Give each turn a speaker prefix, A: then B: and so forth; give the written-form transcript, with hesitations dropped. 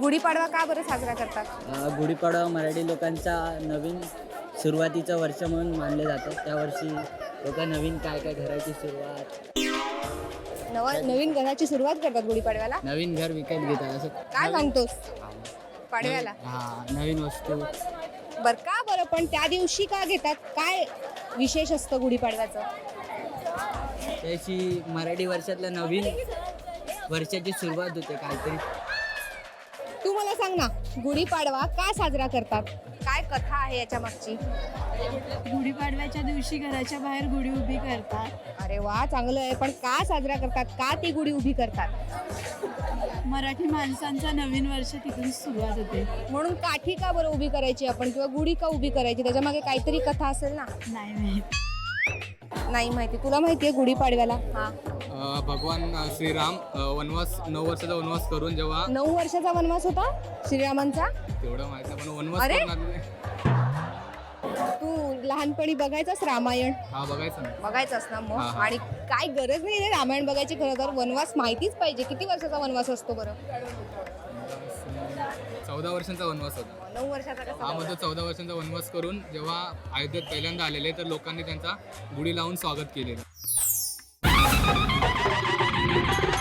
A: गुढीपाडवा का बरं साजरा करतात?
B: गुढीपाडवा मराठी लोकांचा नवीन सुरुवातीचं वर्ष म्हणून मानले जातं. त्या वर्षी लोक नवीन काय काय घराची सुरुवात,
A: नवीन घराची सुरुवात करतात गुढीपाडव्याला.
B: नवीन घर विकत घेतात असं.
A: काय सांगतोस पाडव्याला?
B: नवीन वस्तू.
A: का बरं पण त्या दिवशी का घेतात? काय विशेष असतं गुढीपाडव्याचं?
B: त्याची मराठी वर्षातल्या नवीन वर्षाची सुरुवात होते काहीतरी.
A: तू मला सांग ना, गुढीपाडवा का साजरा करतात? काय कथा आहे याच्या मागची?
C: गुढीपाडव्याच्या दिवशी घराच्या बाहेर गुढी उभी करतात.
A: अरे वा, चांगलं आहे. पण का साजरा करतात? का ती गुढी उभी करतात?
C: मराठी माणसांचा नवीन वर्ष तिथून सुरुवात होते.
A: म्हणून काठी का बरं उभी करायची आपण, किंवा गुढी का उभी करायची? त्याच्या मागे काहीतरी कथा असेल ना.
C: नाही माहित.
A: नाही माहिती. तुला माहिती आहे गुढीपाडव्याला?
D: भगवान श्रीराम 9 वर्षाचा वनवास करून जेव्हा
A: 9 वर्षाचा वनवास होता श्रीरामांचा.
D: तेवढं माहिती पण वनवास
A: अरे!
D: करून आलेले.
A: तू लहानपणी बघायचास रामायण?
D: बघायचं ना.
A: बघायचास ना मग.
D: हा.
A: आणि काय गरज नाही रे रामायण बघायची. खरं तर वनवास माहितीच पाहिजे. किती वर्षाचा वनवास असतो बरं?
D: 14 वर्षांचा वनवास होता.
A: 9 वर्षाचा कसा?
D: मध्ये 14 वर्षांचा वनवास करून जेव्हा अयोध्येत पहिल्यांदा आलेले तर लोकांनी त्यांचा गुढी लावून स्वागत केलेलं.